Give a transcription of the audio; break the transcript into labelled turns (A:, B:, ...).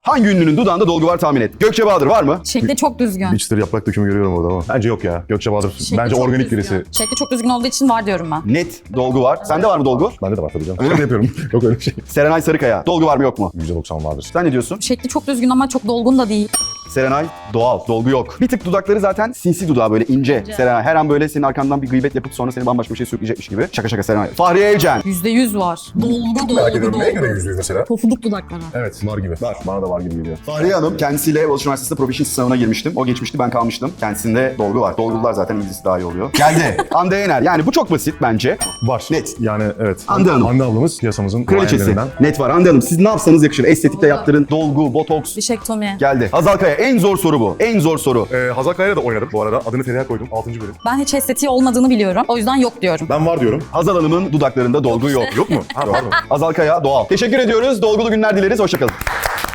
A: Hangi ünlünün dudağında dolgu var tahmin et. Gökçe Bahadır var mı?
B: Şekli çok düzgün.
C: Bir çıtır yaprak dökümü görüyorum orada ama. Bence yok ya. Gökçe Bahadır.
B: Şekli
C: Bence
B: çok
C: organik
B: düzgün.
C: birisi.
B: Şekli çok düzgün olduğu için var diyorum ben.
A: Net dolgu var. Sende var mı dolgu?
C: Bende de var tabii canım. Öyle yapıyorum. Yok öyle bir şey.
A: Serenay Sarıkaya. Dolgu var mı yok mu?
C: %90 vardır.
A: Sen ne diyorsun?
B: Şekli çok düzgün ama çok dolgun da değil.
A: Serenay doğal, dolgu yok. Bir tık dudakları zaten sinsi dudağı böyle ince. Serenay her an böyle senin arkandan bir gıybet yapıp sonra seni bambaşka bir şey sürükleyecekmiş gibi. Şaka şaka Serenay. Fahriye Evcen.
B: %100 var. Dolgu
C: Merak ediyorum. Neye göre %100 mesela?
B: Pofuduk dudaklara.
C: Evet var gibi. Var. Bana da var gibi geliyor.
A: Fahriye Hanım kendisiyle Boğaziçi Üniversitesi'nde Professional sınavına girmiştim. O geçmişti, ben kalmıştım. Kendisinde dolgu var. Dolgulular zaten İngilizcesi daha iyi oluyor. Geldi. Hande Yener. Yani bu çok basit bence.
C: Var.
A: Net.
C: Yani evet.
A: Hande Hanım.
C: Hande ablamız piyasamızın
A: Kraliçesi.
C: duayenlerinden.
A: Net var. Hande Hanım siz ne yapsanız yakışır. Estetikte yaptırın. Dolgu, botoks.
B: Dişektomi.
A: Geldi. Hazal Kaya. En zor soru bu. En zor soru.
C: Hazal Kaya'yla da oynadım bu arada. Adını Feriha koydum. 6. bölüm.
B: Ben hiç estetiği olmadığını biliyorum. O yüzden yok diyorum.
C: Ben var diyorum.
A: Hazal Hanım'ın dudaklarında dolgu yok.
C: Yok mu? Ha var mı?
A: Hazal Kaya doğal. Teşekkür ediyoruz. Dolgulu günler dileriz. Hoşçakalın.